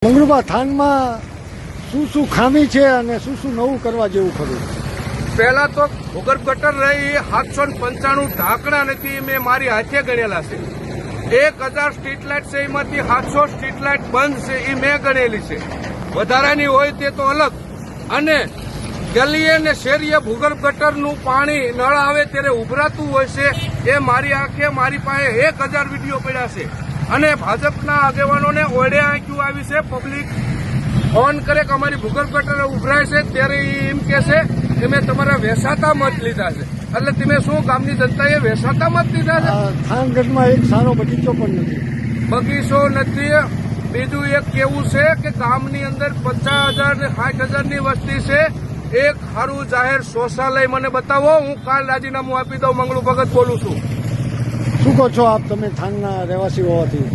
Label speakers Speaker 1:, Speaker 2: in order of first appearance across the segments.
Speaker 1: મંગળુબા થાનમાં શું ખામી છે અને શું નવું કરવા જેવું ખરું?
Speaker 2: પહેલા તો ભૂગર્ભ ગટર રહી 795 ઢાંકણા નથી, મેં મારી હાથે ગણેલા છે. 1000 સ્ટ્રીટ લાઇટ છે, એમાંથી 700 સ્ટ્રીટ લાઇટ બંધ છે, એ મેં ગણેલી છે. વધારાની હોય તે તો અલગ. અને ગલીએ ને શેરીએ ભૂગર્ભ ગટરનું પાણી નળ આવે ત્યારે ઉભરાતું હોય છે, એ મારી આંખે મારી પાસે 1000 વિડીયો પડ્યા છે. અને ભાજપના આગેવાનોને ઓળે આંખ્યું આવી છે. પબ્લિક ફોન કરે કે અમારી ભૂગર્ભ ગટર ઉભરાય છે ત્યારે એમ કે છે કે મેં તમારા વેસાતા મત લીધા છે. એટલે તમે શું ગામની જનતાએ વેસાતા મત લીધા છે?
Speaker 1: થાનગઢમાં એક સારો બગીચો પણ નથી.
Speaker 2: બગીચો નથી. બીજું એક કેવું છે કે ગામની અંદર 50,000 ને 60,000 ની વસ્તી છે. એક સારું જાહેર શૌચાલય મને બતાવો, હું કાલ રાજીનામું આપી દઉં. મંગળુ ભગત બોલું છું.
Speaker 1: શું કહો છો આપ, તમે થાનના રહેવાસી હોવાથી?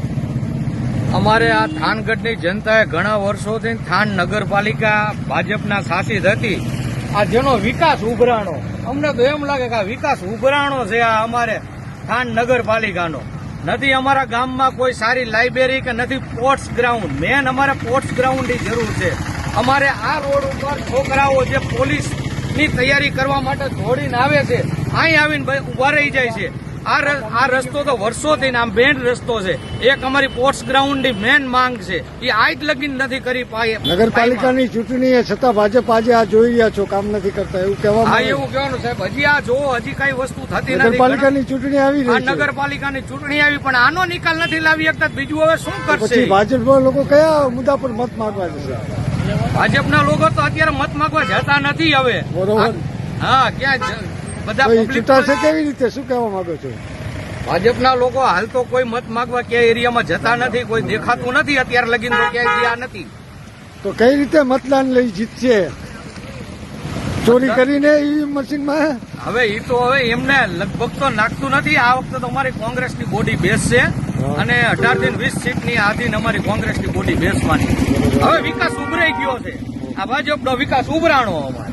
Speaker 3: અમારે આ થાનગઢની જનતાએ ઘણા વર્ષોથી થાન નગરપાલિકા ભાજપના શાસિત હતી. આ જેનો વિકાસ ઉભરાણો, અમને તો એમ લાગે કે આ વિકાસ ઉભરાણો છે આ અમારે થાન નગરપાલિકાનો. નથી અમારા ગામમાં કોઈ સારી લાઇબ્રેરી કે નથી સ્પોર્ટ્સ ગ્રાઉન્ડ. મેન અમારે સ્પોર્ટ્સ ગ્રાઉન્ડની જરૂર છે. અમારે આ રોડ ઉપર છોકરાઓ જે પોલીસની તૈયારી કરવા માટે દોડીને આવે છે, અહીં આવીને ઉભા રહી જાય છે. આ રસ્તો તો વર્ષોથી આમ બેન્ડ રસ્તો છે. એક અમારી સ્પોર્ટ્સ ગ્રાઉન્ડની મેન માંગ છે, એ આજ લગીન નથી કરી પાઈ.
Speaker 1: નગરપાલિકાની ચૂંટણી એ છતાં ભાજપ આજે આ જોઈ રહ્યા છો, કામ નથી કરતા એવું કહેવામાં
Speaker 3: હા, એવું કહેવાનું સાહેબ. હજી આ જો હજી કઈ વસ્તુ થતી નથી.
Speaker 1: નગરપાલિકાની ચૂંટણી આવી રહી છે.
Speaker 3: નગરપાલિકાની ચૂંટણી આવી પણ આનો નિકાલ નથી લાવી શકતા. બીજું હવે શું કરશે?
Speaker 1: પછી ભાજપના લોકો કયા મુદ્દા પર મત માંગવા જશે?
Speaker 3: ભાજપના લોકો તો અત્યારે મત માંગવા જતા નથી હવે.
Speaker 1: બરોબર.
Speaker 3: હા, ક્યાં બધા
Speaker 1: ચૂંટાશે કેવી રીતે, શું કહેવા માંગો છો?
Speaker 3: ભાજપના લોકો હાલ તો કોઈ મત માંગવા ક્યાંય એરિયામાં જતા નથી. કોઈ દેખાતું નથી અત્યારે લગીન તો ક્યાંય ગયા નથી.
Speaker 1: તો કઈ રીતે મતદાન લઈ જીતશે? ચોરી કરીને ઈવીએમ મશીનમાં?
Speaker 3: હવે એ તો હવે એમને લગભગ તો નાખતું નથી. આ વખતે તો અમારી કોંગ્રેસની બોડી બેસશે અને 18 થી 20 સીટની આધીન અમારી કોંગ્રેસની બોડી બેસવાની. હવે વિકાસ ઉભરાઈ ગયો છે. આ ભાજપનો વિકાસ ઉભરાણો અમારે.